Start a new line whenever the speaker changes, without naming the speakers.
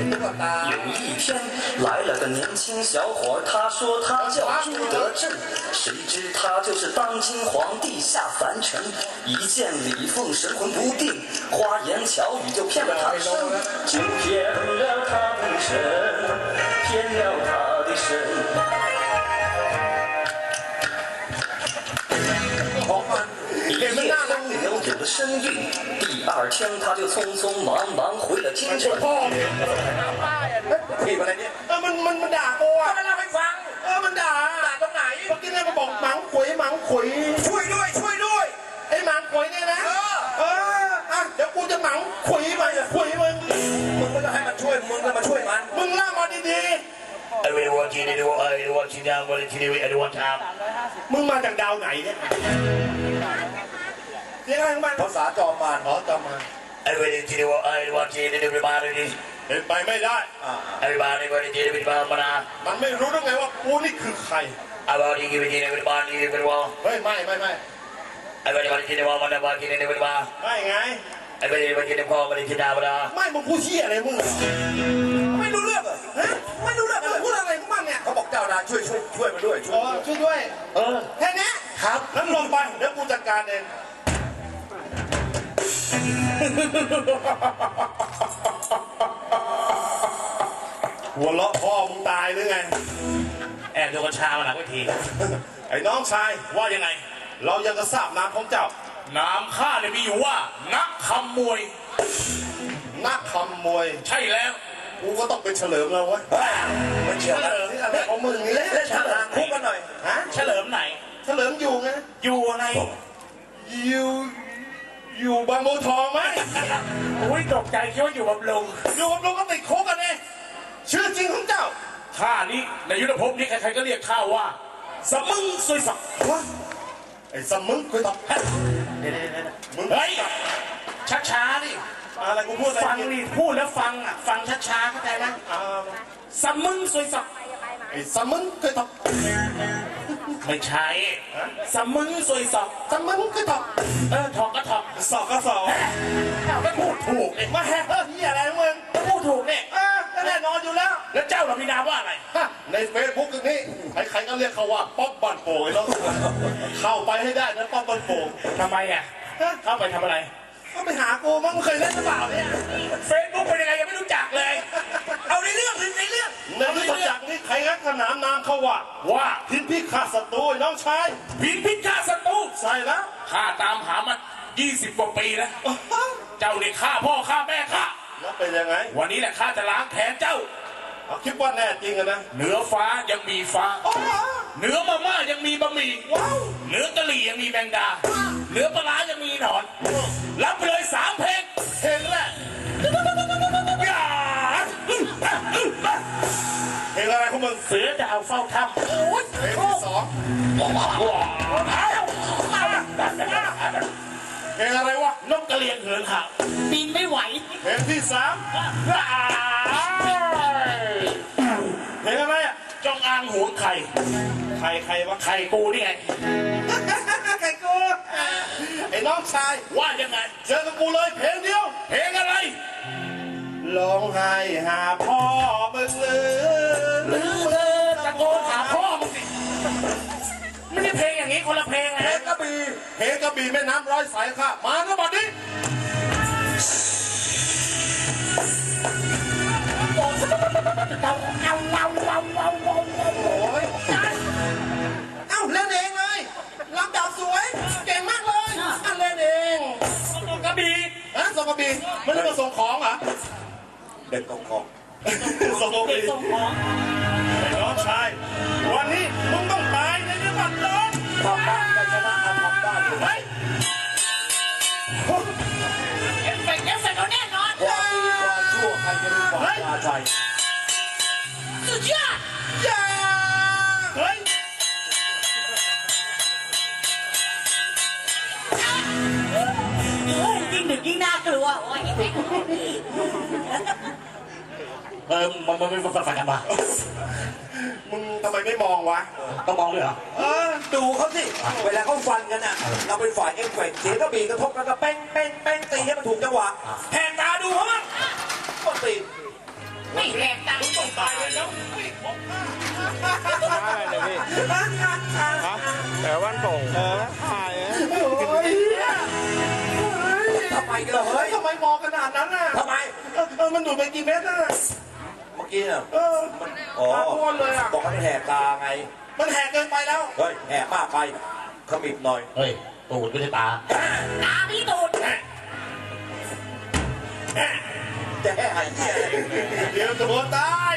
有一天来了个年轻小伙，他说他叫朱德正，谁知他就是当今皇帝下凡尘。一见李凤神魂不定，花言巧语就骗了他的身，就骗了他的身，骗了他的身。一夜风流有了身孕，第二天他就匆匆忙忙回了京城。
ผิดอะไรเนี่ยมันด่ากูอ่ะไม่เล่าให้ฟังมันด่าตรงไหนเมื่อกี้เนี่ยมันบอกหมังขุยช่วยด้วยไอ้หมังขุยเนี่ยนะเดี๋ยวกูจะหมังขุยมึงไม่ต้องให้มันช่วยมึงก็มาช่วยมันมึงเล่ามาดีๆไอ้เวรวันที่นี่ดูไอ้วันที่นี่วันที่นี่ไอ้วันทามมึงมาจากดาวไหนเนี่ยเรียกอะไรของมันภาษาจอมมารไอ้เวรที่นี่ไอ้วันที่นี่ดูไปมาเลยดิเป็นไปไม่ได้ไอ้บ้านนี่วันนี้จะเป็นบ้านมานามันไม่รู้ได้ไงว่ากูนี่คือใครไอ้บ้านนี่กี่วันนี้เป็นบ้านนี่เป็นว่าไม่ไอ้บ้านนี่วันที่นี่ว่ามันบ้านที่นี่เป็นบ้านไม่ไงไอ้บ้านนี่วันที่นี่พ่อมันที่ดาวดาไม่มึงพูดเชี่ยอะไรมึงไม่รู้เรื่องเหรอฮะไม่รู้เรื่องพูดอะไรของมันเนี่ยเขาบอกเจ้าดาช่วยมาด้วยช่วยด้วยแค่นี้ครับงั้นลงไปเดี๋ยวกูจัดการเองหัวเราะพ่อมึงตายหรือไงแอบดูกัญชามาหลังเวทีไอ้น้องชายว่ายังไงเรายังกระซาบน้ำของเจ้าน้ำข้าเนี่ยมีอยู่ว่านักขโมยใช่แล้วกูก็ต้องเป็นเฉลิมแล้ววะมันเฉลิมอะไรของมึงนี่แหละเฉลิมคุกกันหน่อยฮะเฉลิมไหนเฉลิมอยู่ไงอยู่อะไรอยู่บางบัวทองไหมโอ้ยตกใจคิดว่าอยู่บำรุงก็ติดคุกกันเองชื่อจริงของเจ้าข้านี้ในยุทธภพนี้ใครๆก็เรียกข้าว่าสมึงซุยสักไอ้สมึงซุยสักมึงเฮ้ยช้าดิอะไรกูพูดฟังนี่พูดแล้วฟังช้าเข้าใจไหมสมึงซุยสักไอ้สมึงซุยสักไม่ใช่สมึงซุยสักสมึงซุยสักถอกก็ถอกสอกก็สอกไม่พูดถูกเองมาแฮ่ที่อะไรมึงพูดถูกเนี่ยแน่นอนอยู่แล้วแล้วเจ้าเรามีนามว่าอะไรในเฟซบุ๊กนี้ใครๆก็เรียกเขาว่าป๊อปบันโป่งแล้วเข้าไปให้ได้นะป๊อปบันโป่งทำไมอ่ะเข้าไปทำอะไรก็ไปหากูมั้งเคยเล่นหรือเปล่าเนี่ยเฟซบุ๊กเป็นยังไงยังไม่รู้จักเลยเอาในเรื่องจากนี้ใครงัดขนามนามเขาว่าพินพิฆาตศัตรูน้องชายพินพิฆาตศัตรูใช่แล้วข้าตามหามัน20 กว่าปีแล้วเจ้าเนี่ยฆ่าพ่อฆ่าแม่ข้าแล้วเป็นยังไงวันนี้แหละข้าจะล้างแค้นเจ้าคิดว่าแน่จริงนะเหนือฟ้ายังมีฟ้าเหนือมาม่ายังมีบะหมี่เหนือกะหรี่ยังมีแมงดาเหนือปลายังมีหนอนรับไปเลย3 เพลงแรกเพลงอะไรของมึงเสือจะเอาเฝ้าถ้ำเพลงที่ 2เพลงอะไรวะนกกระเรียนเหินห่างบินไม่ไหวเพลงที่ 3เพลงอะไรอ่ะจงอางหวงไข่วะไข่กูนี่ไงไข่กูไอ้น้องชายว่ายังไงเจอกับกูเลยเพลงเดียวเพลงอะไรร้องไห้หาพ่อมึงหรือตะโกนหาพ่อมึงสิไม่ใช่เพลงอย่างนี้คนละเพลงนะเพลงกระบี่แม่น้ำร้อยสายค่ะมาเมื่อบัดนี้เล่นเองเลยลำดับสวยเก่งมากเลยเล่นเองส่งกระบี่ส่งกระบี่ไม่ได้มาส่งของเหรอเด็กส่งของส่งกระบี่ไอ้น้องชายวันนี้มึงต้องตายในจังหวัดร้อนทำได้ชนะทำได้ไหมเอฟเฟกต์เอาแน่นอนความดีความชั่วใครจะรู้ความยาใจสุดยอดเฮ้ยยิ่งดึกยิ่งน่ากลัวมันไม่ฟังกันมามึงทำไมไม่มองวะต้องมองด้วยเหรอดูเขาสิเวลาเขาฟันกันอ่ะเราเป็นฝ่ายเอฟเฟกต์เสียงกระบี่กระทบแล้วก็เป้งตีให้มันถูกจังหวะแหกตาดูเขาบ้างก็ตีไม่
ไม่แหกตา
มึงต้องตายเลยแล้วไม่ครบห้า
อะไรเนี่ยพี่ฮะแต่วันโป่งหาย
ทำไมกันเฮ้ย
ทำไมมองขนาดนั้นน่ะ
ทำไม
มันดูดไปกี่เม็ดน่ะ
เมื่อกี้เนี่ย
มันตาบวนเลยอ่ะ
บอกให้แหกตาไง
มันแหกเกินไปแล้ว
เฮ้ยแหกมากไปขมิบหน่อย
เฮ้ย ตูดไม่ใช่ตา
ตาพี่ตูดจะให้หายเหี้ย
เดี๋ยวตัวตาย